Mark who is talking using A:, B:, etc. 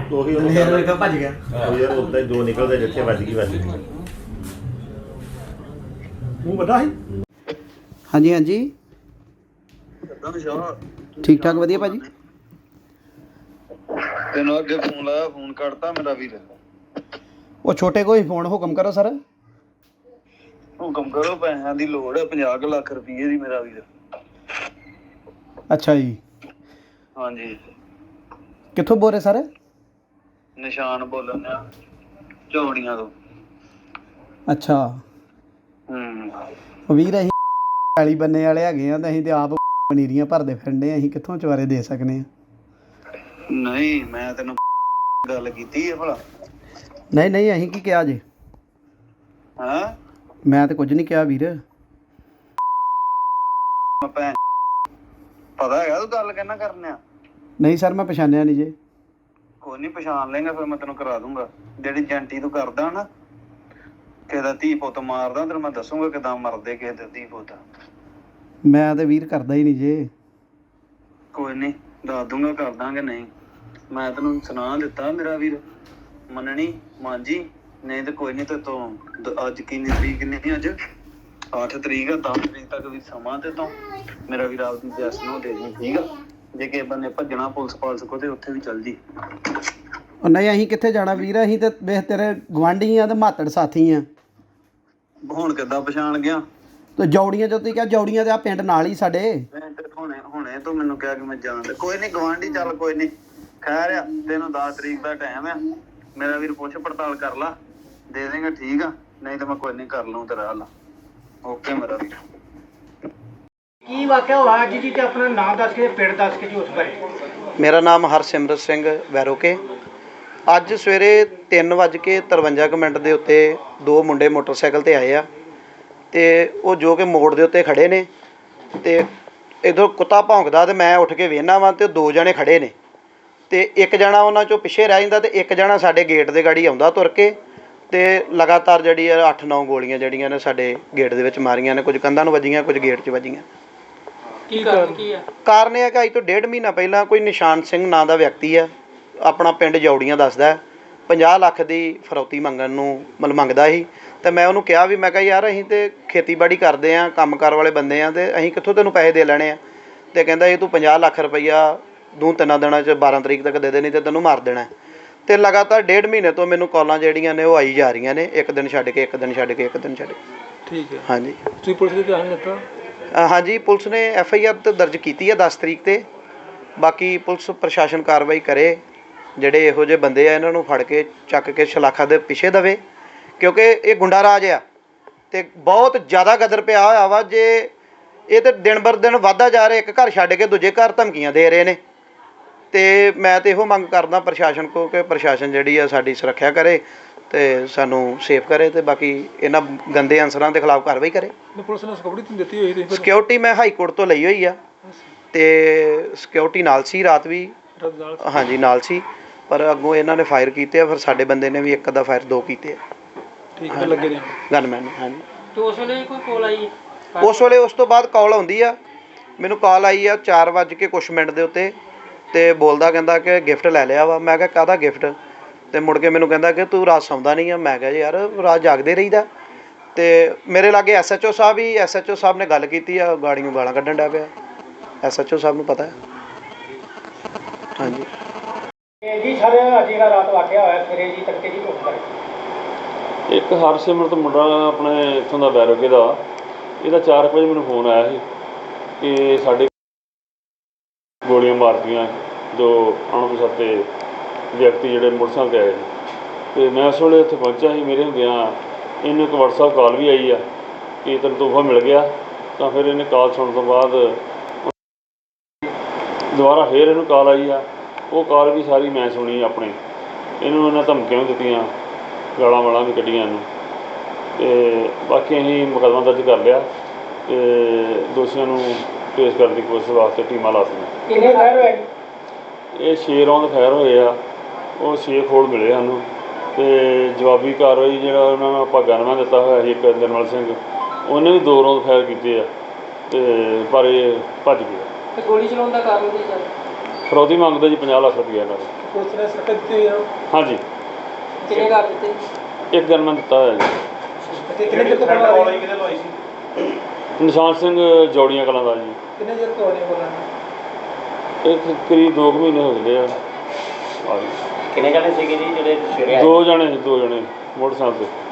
A: ਉਹੀ ਉਹਨੂੰ ਭੱਜ ਗਿਆ ਯਾਰ ਉੱਦਾਂ ਹੀ ਦੋ ਨਿਕਲਦੇ ਜਿੱਥੇ ਵੱਜ ਗਈ ਮੂੰਹ ਵੱਡਾ ਸੀ।
B: ਹਾਂਜੀ ਹਾਂਜੀ ਠੀਕ ਠਾਕ ਵਧੀਆ ਭਾਜੀ।
C: ਤੈਨੂੰ ਅੱਗੇ ਫੋਨ ਲਾਇਆ, ਫੋਨ ਕੱਟਤਾ ਮੇਰਾ ਵੀਰ।
B: ਉਹ ਛੋਟੇ ਕੋਈ ਫੋਨ ਹੁਕਮ ਕਰੋ ਸਰ।
C: ਹੁਕਮ ਕਰੋ, ਪੈਸਿਆਂ ਦੀ ਲੋੜ ਹੈ 50 ਲੱਖ ਰੁਪਏ ਦੀ ਮੇਰਾ ਵੀਰ।
B: ਅੱਛਾ ਜੀ,
C: ਹਾਂਜੀ
B: ਕਿੱਥੋਂ ਬੋਲ ਰਹੇ ਸਰ?
C: ਨਿਸ਼ਾਨ ਬੋਲਣ ਆ, ਝੋੜੀਆਂ ਤੋਂ।
B: ਅੱਛਾ ਵੀਰ, ਅਸੀਂ ਵਾਲੀ ਬੰਨੇ ਵਾਲੇ ਹੈਗੇ ਆ ਤੇ ਅਸੀਂ ਤੇ ਆਪ ਪਨੀਰੀਆਂ ਭਰਦੇ ਫਿਰਦੇ, ਅਸੀਂ ਕਿੱਥੋਂ ਚਵਾਰੇ ਦੇ ਸਕਦੇ ਆ?
C: ਨਹੀਂ ਮੈਂ ਤੈਨੂੰ ਗੱਲ ਕੀਤੀ ਹੈ ਭਲਾ?
B: ਨਹੀਂ ਨਹੀਂ, ਅਸੀਂ ਕੀ ਕਿਹਾ ਜੇ?
C: ਹਾਂ
B: ਮੈਂ ਤੇ ਕੁਝ ਨਹੀਂ ਕਿਹਾ ਵੀਰ।
C: ਭੈਣ ਪਤਾ ਹੈਗਾ ਤੂੰ ਗੱਲ ਕਹਿਣਾ ਕਰਨੇ ਆ?
B: ਨਹੀਂ ਸਰ, ਮੈਂ ਪਛਾਣਿਆ ਨਹੀਂ ਜੇ।
C: ਕੋਈ ਨਹੀਂ, ਪਛਾਣ ਲੇਗਾ ਫਿਰ ਮੈਂ ਤੈਨੂੰ ਕਰਾ ਦੂੰਗਾ। ਜਿਹੜੀ ਜੰਟੀ ਤੂੰ ਕਰਦਾ ਨਾ, ਕਿਸੇ ਦਾ ਧੀ ਪੁੱਤ ਮਾਰਦਾ, ਤੈਨੂੰ ਮੈਂ ਦੱਸੂਗਾ ਕਿੱਦਾਂ ਮਰਦੇ ਕਿਸੇ ਦੇ ਧੀ ਪੁੱਤ।
B: ਮੈਂ ਤੇ ਵੀਰ ਕਰਦਾ ਹੀ ਨਹੀਂ ਜੇ।
C: ਕੋਈ ਨਹੀਂ, ਦੱਸ ਦੂੰਗਾ ਕਰ ਦਾਂਗੇ। ਨਹੀਂ ਮੈਂ ਤੈਨੂੰ ਸੁਣਾ ਦਿੱਤਾ ਮੇਰਾ ਵੀਰ, ਮੰਨਣੀ ਮਾਂਜੀ। ਨਹੀਂ ਤੇ ਕੋਈ ਨਹੀਂ, ਤੇ ਤੂੰ ਅੱਜ ਕਿੰਨੀ ਤਰੀਕ ਨਹੀਂ, ਅੱਜ 8 ਤਰੀਕ ਆ, 10 ਤਰੀਕ ਤੱਕ ਵੀ ਸਮਾਂ ਤੇ ਤੋਂ ਮੇਰਾ ਵੀਰ ਆਪਦੀ ਜੈਸ ਨੂੰ ਦੇ ਦੀ, ਠੀਕ ਆ? ਜੇ ਕਿਸੇ ਬੰਨੇ ਭੱਜਣਾ ਪੁਲਿਸ ਪਾਲਸ ਕੋ ਤੇ ਉੱਥੇ ਵੀ ਚੱਲ ਜੀ।
B: ਉਹ ਨਹੀਂ, ਅਸੀਂ ਕਿੱਥੇ ਜਾਣਾ ਵੀਰ, ਅਸੀਂ ਤੇ ਵੇਖ ਤੇਰੇ ਗੁਆਂਢੀ ਆ ਤੇ ਮਾਤੜ ਸਾਥੀ ਆ।
C: ਹੁਣ ਕਿੱਦਾਂ ਪਛਾਣ ਗਿਆ?
B: ਤੇ ਜੌੜੀਆਂ ਜੋ ਤੁਸੀਂ ਕਿਹਾ, ਜੌੜੀਆਂ ਤੇ ਆ ਪਿੰਡ ਨਾਲ ਹੀ ਸਾਡੇ।
C: ਹੁਣੇ ਤੂੰ ਮੈਨੂੰ ਕਿਹਾ ਕਿ ਮੈਂ ਜਾਣਦਾ। ਕੋਈ ਨਹੀਂ ਗਵਾਂਢੀ, ਚੱਲ ਕੋਈ ਨਹੀਂ, ਖੈਰ ਆ। ਤੈਨੂੰ 10 ਤਰੀਕ ਦਾ ਟਾਈਮ ਆ, ਮੇਰਾ ਵੀਰ ਪੁੱਛ ਪੜਤਾਲ ਕਰ ਲਾ, ਦੇ ਦੇਗਾ ਠੀਕ ਆ। ਨਹੀਂ ਤਾਂ ਮੈਂ ਕੋਈ ਨਹੀਂ ਕਰ ਲਊ ਤੇਰਾ ਹੱਲ। ਓਕੇ ਮੇਰਾ ਵੀਰ।
D: ਕੀ ਵਾਕਿਆ ਹੋਇਆ ਅੱਜ ਜੀ, ਤੇ ਆਪਣਾ ਨਾਮ ਦੱਸ ਕੇ ਪਿੰਡ ਦੱਸ ਕੇ ਜੀ ਉਸ ਬਾਰੇ।
B: ਮੇਰਾ ਨਾਮ ਹਰਸਿਮਰਤ ਸਿੰਘ ਵੈਰੋਕੇ। ਅੱਜ ਸਵੇਰੇ 3:53 ਦੇ ਉੱਤੇ ਦੋ ਮੁੰਡੇ ਮੋਟਰਸਾਈਕਲ 'ਤੇ ਆਏ ਆ, ਅਤੇ ਉਹ ਜੋ ਕਿ ਮੋੜ ਦੇ ਉੱਤੇ ਖੜ੍ਹੇ ਨੇ, ਅਤੇ ਇੱਧਰੋਂ ਕੁੱਤਾ ਭੌਂਕਦਾ ਅਤੇ ਮੈਂ ਉੱਠ ਕੇ ਵੇਖਦਾ ਵਾਂ, ਅਤੇ ਦੋ ਜਣੇ ਖੜ੍ਹੇ ਨੇ, ਅਤੇ ਇੱਕ ਜਣਾ ਉਹਨਾਂ 'ਚੋਂ ਪਿੱਛੇ ਰਹਿ ਜਾਂਦਾ, ਅਤੇ ਇੱਕ ਜਣਾ ਸਾਡੇ ਗੇਟ ਦੇ ਗਾੜੀ ਆਉਂਦਾ ਤੁਰ ਕੇ, ਅਤੇ ਲਗਾਤਾਰ ਜਿਹੜੀ ਆ 8-9 ਗੋਲੀਆਂ ਜਿਹੜੀਆਂ ਨੇ ਸਾਡੇ ਗੇਟ ਦੇ ਵਿੱਚ ਮਾਰੀਆਂ ਨੇ। ਕੁਝ ਕੰਧਾਂ ਨੂੰ ਵੱਜੀਆਂ, ਕੁਝ ਗੇਟ 'ਚ ਵੱਜੀਆਂ।
D: ਕੀ ਕਾਰਨ ਕੀ ਆ?
B: ਕਾਰਨ ਇਹ ਹੈ ਕਿ ਅੱਜ ਤੋਂ 1.5 ਮਹੀਨਾ ਪਹਿਲਾਂ ਕੋਈ ਨਿਸ਼ਾਨ ਸਿੰਘ ਨਾਂ ਦਾ ਵਿਅਕਤੀ ਆ, ਆਪਣਾ ਪਿੰਡ ਜੌੜੀਆਂ ਦੱਸਦਾ, 50 ਲੱਖ ਦੀ ਫਰੌਤੀ ਮੰਗਣ ਨੂੰ ਮੰਗਦਾ ਸੀ। ਅਤੇ ਮੈਂ ਉਹਨੂੰ ਕਿਹਾ ਵੀ, ਮੈਂ ਕਿਹਾ ਯਾਰ ਅਸੀਂ ਤਾਂ ਖੇਤੀਬਾੜੀ ਕਰਦੇ ਹਾਂ, ਕੰਮਕਾਰ ਵਾਲੇ ਬੰਦੇ ਹਾਂ, ਅਤੇ ਅਸੀਂ ਕਿੱਥੋਂ ਤੈਨੂੰ ਪੈਸੇ ਦੇ ਲੈਣੇ ਆ? ਅਤੇ ਕਹਿੰਦਾ ਇਹ ਤੂੰ 50 ਲੱਖ ਰੁਪਈਆ 2-3 ਦਿਨਾਂ 'ਚ 12 ਤਰੀਕ ਤੱਕ ਦੇ ਦੇਣੀ, ਅਤੇ ਤੈਨੂੰ ਮਾਰ ਦੇਣਾ। ਅਤੇ ਲਗਾਤਾਰ 1.5 ਮਹੀਨੇ ਤੋਂ ਮੈਨੂੰ ਕਾਲਾਂ ਜਿਹੜੀਆਂ ਨੇ ਉਹ ਆਈ ਜਾ ਰਹੀਆਂ ਨੇ, ਇੱਕ ਦਿਨ ਛੱਡ ਕੇ, ਇੱਕ ਦਿਨ ਛੱਡ ਕੇ, ਇੱਕ ਦਿਨ ਛੱਡ ਕੇ।
D: ਠੀਕ ਹੈ।
B: ਹਾਂਜੀ,
D: ਤੁਸੀਂ ਪੁਲਿਸ ਦੇ ਧਿਆਨ ਦਿੱਤਾ?
B: ਹਾਂਜੀ, ਪੁਲਿਸ ਨੇ FIR ਤਾਂ ਦਰਜ ਕੀਤੀ ਹੈ 10 ਤਰੀਕ 'ਤੇ। ਬਾਕੀ ਪੁਲਿਸ ਪ੍ਰਸ਼ਾਸਨ ਕਾਰਵਾਈ ਕਰੇ, ਜਿਹੜੇ ਇਹੋ ਜਿਹੇ ਬੰਦੇ ਆ ਇਹਨਾਂ ਨੂੰ ਫੜ ਕੇ ਚੱਕ ਕੇ ਸ਼ਲਾਖਾ ਦੇ ਪਿੱਛੇ ਦੇਵੇ, ਕਿਉਂਕਿ ਇਹ ਗੁੰਡਾ ਰਾਜ ਆ ਅਤੇ ਬਹੁਤ ਜ਼ਿਆਦਾ ਗਦਰ ਪਿਆ ਹੋਇਆ ਵਾ। ਜੇ ਇਹ ਤਾਂ ਦਿਨ ਬਰ ਦਿਨ ਵੱਧਦਾ ਜਾ ਰਿਹਾ, ਇੱਕ ਘਰ ਛੱਡ ਕੇ ਦੂਜੇ ਘਰ ਧਮਕੀਆਂ ਦੇ ਰਹੇ ਨੇ, ਅਤੇ ਮੈਂ ਤਾਂ ਇਹੋ ਮੰਗ ਕਰਦਾ ਪ੍ਰਸ਼ਾਸਨ ਕੋਲ ਕਿ ਪ੍ਰਸ਼ਾਸਨ ਜਿਹੜੀ ਆ ਸਾਡੀ ਸੁਰੱਖਿਆ ਕਰੇ ਅਤੇ ਸਾਨੂੰ ਸੇਫ ਕਰੇ, ਅਤੇ ਬਾਕੀ ਇਹਨਾਂ ਗੰਦੇ ਅਨਸਰਾਂ ਦੇ ਖਿਲਾਫ ਕਾਰਵਾਈ ਕਰੇ।
D: ਪੁਲਿਸ ਨੇ ਸਿਕਿਉਰਿਟੀ ਦਿੱਤੀ ਹੋਈ?
B: ਸਿਕਿਉਰਿਟੀ ਮੈਂ ਹਾਈ ਕੋਰਟ ਤੋਂ ਲਈ ਹੋਈ ਆ, ਅਤੇ ਸਿਕਿਉਰਿਟੀ ਨਾਲ ਸੀ, ਰਾਤ ਵੀ ਹਾਂਜੀ ਨਾਲ ਸੀ, ਪਰ ਅੱਗੋਂ ਇਹਨਾਂ ਨੇ ਫਾਇਰ ਕੀਤੇ ਆ, ਫਿਰ ਸਾਡੇ ਬੰਦੇ ਨੇ ਵੀ ਇੱਕ ਅੱਧਾ ਫਾਇਰ 2 ਕੀਤੇ ਆ।
D: ਠੀਕ ਹੈ, ਲੱਗੇ ਨੇ
B: ਗਨਮੈਨ ਨੇ। ਹਾਂਜੀ,
D: ਤੇ ਉਸ ਵੇਲੇ ਕੋਈ ਕਾਲ ਆਈ?
B: ਉਸ ਵੇਲੇ ਉਸ ਤੋਂ ਬਾਅਦ ਕਾਲ ਆਉਂਦੀ ਆ, ਮੈਨੂੰ ਕਾਲ ਆਈ ਆ 4:00 ਦੇ ਉੱਤੇ, ਅਤੇ ਬੋਲਦਾ ਕਹਿੰਦਾ ਕਿ ਗਿਫਟ ਲੈ ਲਿਆ ਵਾ। ਮੈਂ ਕਿਹਾ ਕਾਹਦਾ ਗਿਫਟ? ਅਤੇ ਮੁੜ ਕੇ ਮੈਨੂੰ ਕਹਿੰਦਾ ਕਿ ਤੂੰ ਰਾਤ ਸੌਂਦਾ ਨਹੀਂ ਆ। ਮੈਂ ਕਿਹਾ ਯਾਰ ਰਾਤ ਜਾਗਦੇ ਰਹੀਦਾ। ਅਤੇ ਮੇਰੇ ਲਾਗੇ SHO ਸਾਹਿਬ ਹੀ, SHO ਸਾਹਿਬ ਨੇ ਗੱਲ ਕੀਤੀ ਆ, ਗਾੜੀਆਂ ਗਾਲਾਂ ਕੱਢਣ ਡਿਆ ਪਿਆ। SHO ਸਾਹਿਬ ਨੂੰ ਪਤਾ ਹੈ। ਹਾਂਜੀ
D: ਜੀ ਸਰ, ਅੱਜ ਜਿਹੜਾ ਰਾਤ ਵਾਕਿਆ ਹੋਇਆ ਸਵੇਰੇ ਜੀ ਤੜਕੇ ਜੀ ਉਸ ਬਾਰੇ।
E: ਇੱਕ ਹਰਸਿਮਰਤ ਮੁੰਡਾ ਆਪਣੇ ਇੱਥੋਂ ਦਾ ਵੈਰੋਕੇ ਦਾ, ਇਹਦਾ 4 ਵਜੇ ਮੈਨੂੰ ਫੋਨ ਆਇਆ ਸੀ ਕਿ ਸਾਡੇ ਗੋਲੀਆਂ ਮਾਰਤੀਆਂ ਜੋ ਅਣਪਛਾਤੇ ਵਿਅਕਤੀ ਜਿਹੜੇ ਮੋਟਰਸਾਈਕਲ 'ਤੇ ਆਏ ਸੀ। ਅਤੇ ਮੈਂ ਉਸ ਵੇਲੇ ਉੱਥੇ ਪਹੁੰਚਿਆ ਸੀ। ਮੇਰੇ ਹੁੰਦਿਆਂ ਇਹਨੂੰ ਇੱਕ WhatsApp ਕਾਲ ਵੀ ਆਈ ਆ ਕਿ ਤੈਨੂੰ ਤੋਹਫਾ ਮਿਲ ਗਿਆ। ਤਾਂ ਫਿਰ ਇਹਨੇ ਕਾਲ ਸੁਣਨ ਤੋਂ ਬਾਅਦ ਦੁਬਾਰਾ ਫਿਰ ਇਹਨੂੰ ਕਾਲ ਆਈ ਆ, ਉਹ ਕਾਲ ਵੀ ਸਾਰੀ ਮੈਂ ਸੁਣੀ ਆਪਣੇ। ਇਹਨੂੰ ਇਹਨਾਂ ਧਮਕੀਆਂ ਵੀ ਦਿੱਤੀਆਂ, ਗਾਲਾਂ ਵਾਲਾਂ ਵੀ ਕੱਢੀਆਂ ਇਹਨੂੰ, ਅਤੇ ਬਾਕੀ ਅਸੀਂ ਮੁਕੱਦਮਾ ਦਰਜ ਕਰ ਲਿਆ ਅਤੇ ਦੋਸ਼ੀਆਂ ਨੂੰ ਪੇਸ਼ ਕਰਨ ਦੀ ਕੋਸ਼ਿਸ਼ ਵਾਸਤੇ ਟੀਮਾਂ ਲਾ ਦਿੱਤੀਆਂ।
D: ਕਿੰਨੇ ਫਾਇਰ ਹੋਏ?
E: ਇਹ 6 ਰੌਂਦ ਫਾਇਰ ਹੋਏ ਆ, ਉਹ 6 ਖੋਲ ਮਿਲੇ ਸਾਨੂੰ, ਅਤੇ ਜਵਾਬੀ ਕਾਰਵਾਈ ਜਿਹੜਾ ਉਹਨਾਂ ਨੂੰ ਆਪਾਂ ਗਨਮੈਨ ਦਿੱਤਾ ਹੋਇਆ ਸੀ ਇੱਕ ਨਿਰਮਲ ਸਿੰਘ, ਉਹਨੇ ਵੀ 2 ਰੌਂਦ ਫਾਇਰ ਕੀਤੇ ਆ, ਅਤੇ ਪਰ ਇਹ ਭੱਜ ਗਿਆ।
D: ਤੇ ਗੋਲੀ ਚਲਾਉਣ ਦਾ ਕਾਰਨ ਕੀ ਸਰ?
E: ਫਰੌਤੀ ਮੰਗਦੇ ਜੀ 50 ਲੱਖ ਰੁਪਈਆ ਇਹਨਾਂ ਦਾ।
D: ਪੁਲਿਸ ਨੇ ਸਖਤ ਦਿੱਤੀ ਹੋਈ ਹੈ।
E: ਹਾਂਜੀ,
D: ਕਿੰਨੇ ਕਰ ਦਿੱਤੇ?
E: ਇੱਕ ਗਨਮੈਨ ਦਿੱਤਾ ਹੋਇਆ ਜੀ।
D: ਤੇ ਕਿੰਨੇ ਚਿਰ ਤੋਂ ਕਿਹਦੇ ਲਵਾਈ ਸੀ?
E: ਨਿਸ਼ਾਨ ਸਿੰਘ ਜੋੜੀਆਂ ਕਲਾਂ ਦਾ ਜੀ।
D: ਕਿੰਨੇ ਚਿਰ ਤੋਂ ਹੋਣੀ ਬੋਲਣਾ?
E: ਇਹ ਕਰੀਬ 2 ਮਹੀਨੇ ਹੋ ਗਏ ਆ।
F: ਕਿੰਨੇ ਜਣੇ ਸੀਗੇ ਜੀ ਜਿਹੜੇ ਸਵੇਰੇ ਆਏ?
E: 2 ਜਣੇ ਮੋਟਰਸਾਈਕਲ 'ਤੇ।